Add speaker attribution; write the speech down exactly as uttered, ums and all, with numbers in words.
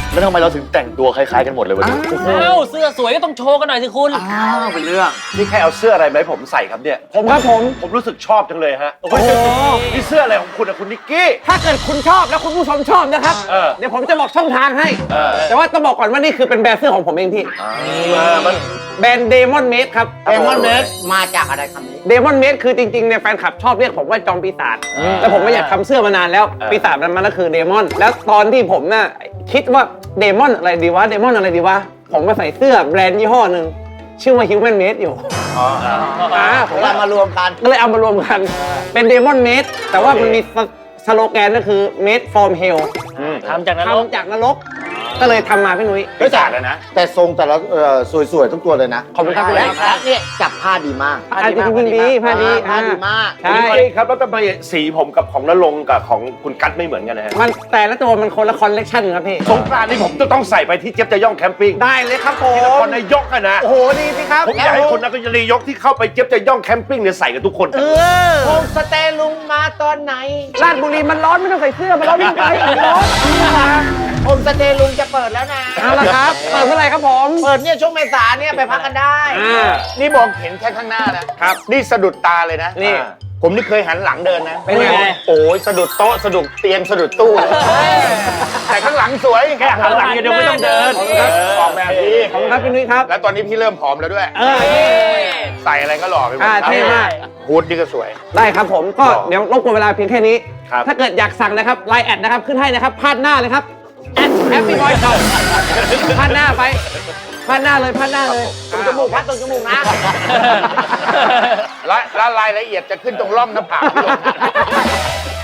Speaker 1: แล้วทำไมเราถึงแต่งตัวคล้ายๆกันหมดเลยวันนี้
Speaker 2: เอ้าเสื้อสวยก็ต้องโชว์กันหน่อยสิคุณ
Speaker 1: อ้าวเป็นเรื่องนี่แค่เอาเสื้ออะไรมาให้ผมใส่ครับเนี่ย
Speaker 3: ผมครับผม
Speaker 1: ผมรู้สึกชอบจังเลยฮะโอ้โหนี่เสื้ออะไรของคุณอะคุณนิกกี้
Speaker 3: ถ้าเกิดคุณชอบแล้วคุณผู้ชมชอบนะครับ
Speaker 1: เออ
Speaker 3: เดี๋ยวผมจะบอกช่องทางให้
Speaker 1: เออ
Speaker 3: แต่ว่าต้องบอกก่อนว่านี่คือเป็นแบรนด์เสื้อของผมเองพี่
Speaker 1: มามัน
Speaker 3: แบรนด์เดมอนเมดครับ
Speaker 4: เดมอนเมดมาจากอะไรคำนี้
Speaker 3: เดมอนเมดคือจริงๆเนี่ยแฟนคลับชอบเรียกผมว่าจอมปีศาจแล้วผมไม่อยากทำเสื้อมานานแล้ว ปีศาจมันมันก็คือเดมอนแล้วตอนที่ผมน่ะคิดว่าเดมอนอะไรดีวะเดมอนอะไรดีวะผมมาใส่เสื้อแบรนด์ยี่ห้อหนึ่งชื่อว่า Human Made อยู่อ่าผม
Speaker 4: เรามารวมกัน
Speaker 3: ก็เลยเอามารวมกันเป็นเดมอนเมดแต่ว่ามันมีสโลแกนก็คือ made from hell
Speaker 2: ทำจากนั้น
Speaker 3: ทำจากนรกก็เลยทำมาพี่นุ้ย
Speaker 1: ปีศาจเลยนะ
Speaker 4: แต่ทรงแต่ละเอ่อสวยๆทุกตัวเลยนะ
Speaker 3: ขอบคุณครับพี่
Speaker 4: และ
Speaker 3: นุ้ย
Speaker 4: และเนี่ยจับผ้าดีมาก
Speaker 3: ผ้าดีจริงๆดีผ้าดี
Speaker 4: ผ้าดีมาก
Speaker 3: ใช่
Speaker 1: ใช่ครับแล้วทำไมสีผมกับของนรงค์กับของคุณกั๊ดไม่เหมือนกันนะฮะ
Speaker 3: มันแต่ละตัวมันคนละคอลเลกชันครับพี่
Speaker 1: สงกรานต์นี่ผมจะต้องใส่ไปที่เจี๊ยบจะย่องแคมปิ้ง
Speaker 3: ได้เลยครับผ
Speaker 1: ที่น
Speaker 3: ม
Speaker 1: ครนายกอะนะ
Speaker 3: โอ้โหดีสิครับ
Speaker 1: ผมอยากให้คนนครนายกที่เข้าไปเจี๊ยบจะย่องแคมปิ้งเนี่ยใส่กันทุกคน
Speaker 3: เออ
Speaker 4: โฮมสเตย์ลุงมาตอนไหน
Speaker 3: ลาดบุรีมันร้อนไม่ต้องใส่เสื้อมันร้อนวิ่งไปมันร้อน
Speaker 4: โฮมสเตย์ลุงจะเปิดแล้วนะ
Speaker 3: เอาละครับเปิดเมื่อไหร่ครับผม
Speaker 4: เปิดเนี่ยช่วงเมษาเนี่ยไปพักกันได้
Speaker 3: อ่า
Speaker 5: นี่มองเห็นแค่ข้างหน้านะครับ นี่สะดุดตาเลยนะ
Speaker 3: นี่
Speaker 5: ผมนี่เคยหันหลังเดินนะ
Speaker 3: เป็นไง
Speaker 5: โอ้ยสะดุดโต๊ะสะดุดเตียงสะดุดตู้เลยแต่ข้างหลังสวย
Speaker 1: แค่หันหลังอย่างเดียวไม่ต้องเดิน
Speaker 5: เออออกแบบดี
Speaker 3: ขอบคุณครับพี่นุ้ยครับ
Speaker 5: แล้วตอนนี้พี่เริ่มผอมแล้วด้วย
Speaker 3: เออ
Speaker 5: ใส่อะไรก็หล่อไปหมด
Speaker 3: อ่าเท่มาก
Speaker 5: ฮูดนี่ก็สวย
Speaker 3: ได้ครับผมก็เดี๋ยวรบกวนเวลาเพียงแค่นี้
Speaker 1: ครับ
Speaker 3: ถ้าเกิดอยากสั่งนะครับไลน์แอดนะครับขึ้นให้นะครับพาดหน้าเลยครับแอดแฮปปี้บอยช็อปพาดหน้าไปพาดหน้าเลยพาดหน้าเลย
Speaker 4: ตรงจมูกพัดตรงจมูกนะ
Speaker 5: และและรายละเอียดจะขึ้นตรงร่องหน้าผากพี่ลง